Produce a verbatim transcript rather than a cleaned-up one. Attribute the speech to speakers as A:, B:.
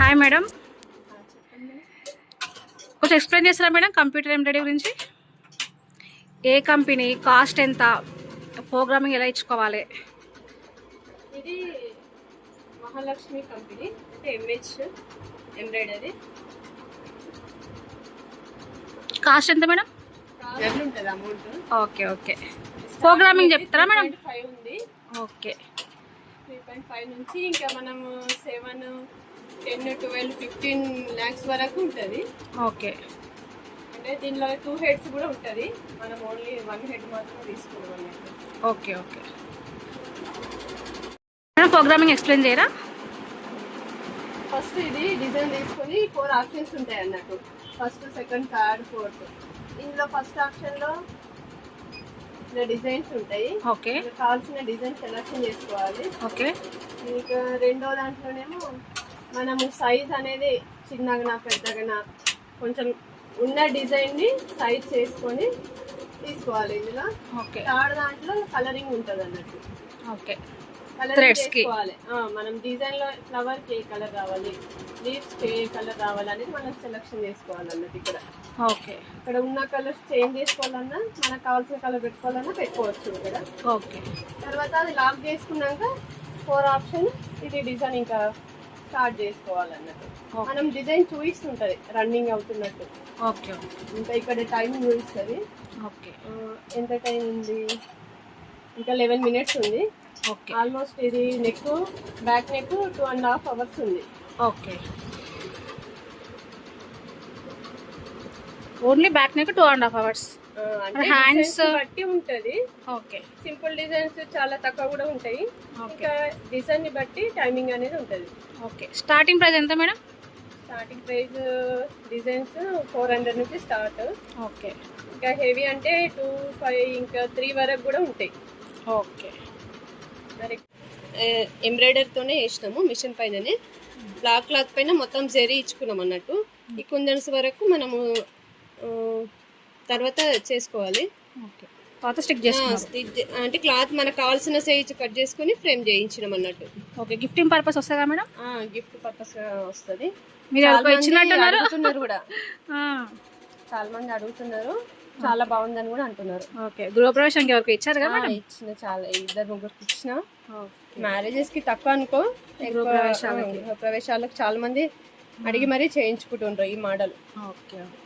A: Hi madam, కొంచెం explain చేస్తారా madam computer embroidery గురించి? ఏ కంపెనీ, కాస్ట్ ఎంత, ప్రోగ్రామింగ్ ఎలా ఇచ్చుకోవాలి?
B: ఇది Mahalakshmi company, MH embroidery.
A: Cost ఎంత మేడం?
B: ఉంటుంది అమౌంట్.
A: Okay okay. ప్రోగ్రామింగ్ చెప్తారా మేడం?
B: ఫైవ్ ఉంది.
A: ఓకే,
B: త్రీ పాయింట్ ఫైవ్ నుంచి ఇంకా మనము seven ten twelve fifteen lakhs వరకు ఉంటుంది.
A: ఓకే,
B: అంటే దీనిలో టూ హెడ్స్ కూడా ఉంటుంది, మనం ఓన్లీ వన్ హెడ్ మాత్రం తీసుకున్నాం.
A: Okay okay madam, programming explain చేయరా?
B: ఫస్ట్ ఇది డిజైన్ తీసుకొని ఫోర్ ఆప్షన్స్ ఉంటాయి అన్నట్టు, ఫస్ట్ సెకండ్ థర్డ్ ఫోర్త్. ఇందులో ఫస్ట్ ఆప్షన్లో ఇలా డిజైన్స్ ఉంటాయి.
A: ఓకే,
B: కావాల్సిన డిజైన్ సెలెక్షన్ చేసుకోవాలి.
A: ఓకే.
B: ఇంకా రెండో దాంట్లోనేమో మనము సైజ్ అనేది చిన్నగా పెద్దగా కొంచెం ఉన్న డిజైన్ని సైజ్ చేసుకొని తీసుకోవాలి ఇందులో.
A: ఓకే.
B: థర్డ్ దాంట్లో కలరింగ్ ఉంటుంది అన్నట్టు.
A: ఓకే,
B: కలరింగ్ చేసుకోవాలి. మనం డిజైన్ లో ఫ్లవర్ కి ఏ కలర్ కావాలి, లీవ్స్ కి ఏ కలర్ కావాలి అనేది మనం సెలెక్షన్ చేసుకోవాలి అన్నట్టు. ఇక్కడ
A: ఓకే,
B: ఇక్కడ ఉన్న కలర్స్ చేంజ్ చేసుకోవాలన్నా మనకు కావాల్సిన కలర్ పెట్టుకోవాలన్నా పెట్టుకోవచ్చు ఇక్కడ.
A: ఓకే.
B: తర్వాత అది లాక్ చేసుకున్నాక ఫోర్ ఆప్షన్ ఇది డిజైన్ ఇంకా స్టార్ట్ చేసుకోవాలన్నట్టు. మనం డిజైన్ చూపిస్తుంటది రన్నింగ్ అవుతున్నట్టు.
A: ఓకే.
B: ఇంకా ఇక్కడ టైం చూపిస్తుంది.
A: ఓకే,
B: ఎంత టైం ఉంది? ఇంకా లెవెన్ మినిట్స్ ఉంది.
A: ఓకే.
B: ఆల్మోస్ట్ ఇది neck back neck two and half hours ఉంది.
A: Okay, only back neck two and half hours. Hands
B: బట్టి ఉంటది.
A: ఓకే.
B: సింపుల్ డిజైన్స్ చాలా తక్కువ కూడా ఉంటాయి. ఇంకా డిజైన్ ని బట్టి టైమింగ్ అనేది ఉంటది.
A: ఓకే. స్టార్టింగ్ ప్రైస్ ఎంత madam?
B: Starting price designs four hundred నుంచి స్టార్ట్.
A: ఓకే.
B: ఇంకా హెవీ అంటే టూ ఫైవ్ ఇంకా త్రీ వరకు కూడా ఉంటాయి.
A: ఓకే.
B: ఎంబ్రాయిడరీతోనే వేసినాము మిషన్ పైననే. బ్లాక్ క్లాత్ పైన మొత్తం జరీ ఇచ్చుకున్నాం అన్నట్టు. ఈ కుందన్స్ వరకు మనము తర్వాత చేసుకోవాలి.
A: ఓకే. తర్వాత స్టిక్ చేసుకోవాలి.
B: అంటే క్లాత్ మనకు కావాల్సిన సైజ్ కట్ చేసుకుని ఫ్రేమ్ చేయించినాం అన్నట్టు.
A: ఓకే. గిఫ్టింగ్ పర్పస్ వస్తుందా మేడం?
B: గిఫ్ట్ పర్పస్ వస్తుంది.
A: మీరు ఇచ్చినట్టున్నారు
B: అడుగుతున్నారు కూడా, చాలా మంది అడుగుతున్నారు. చాలా బాగుందని కూడా అంటున్నారు.
A: ఓకే. గృహప్రవేశానికి ఎవరికి ఇచ్చారు కదా?
B: ఇచ్చిన, చాలా ఇద్దరు ముగ్గురికి ఇచ్చిన. మ్యారేజెస్ కి తక్కువ అనుకో, గృహప్రవేశాలకు చాలా మంది అడిగి మరీ చేయించుకుంటుండ్రు ఈ మోడల్.
A: ఓకే.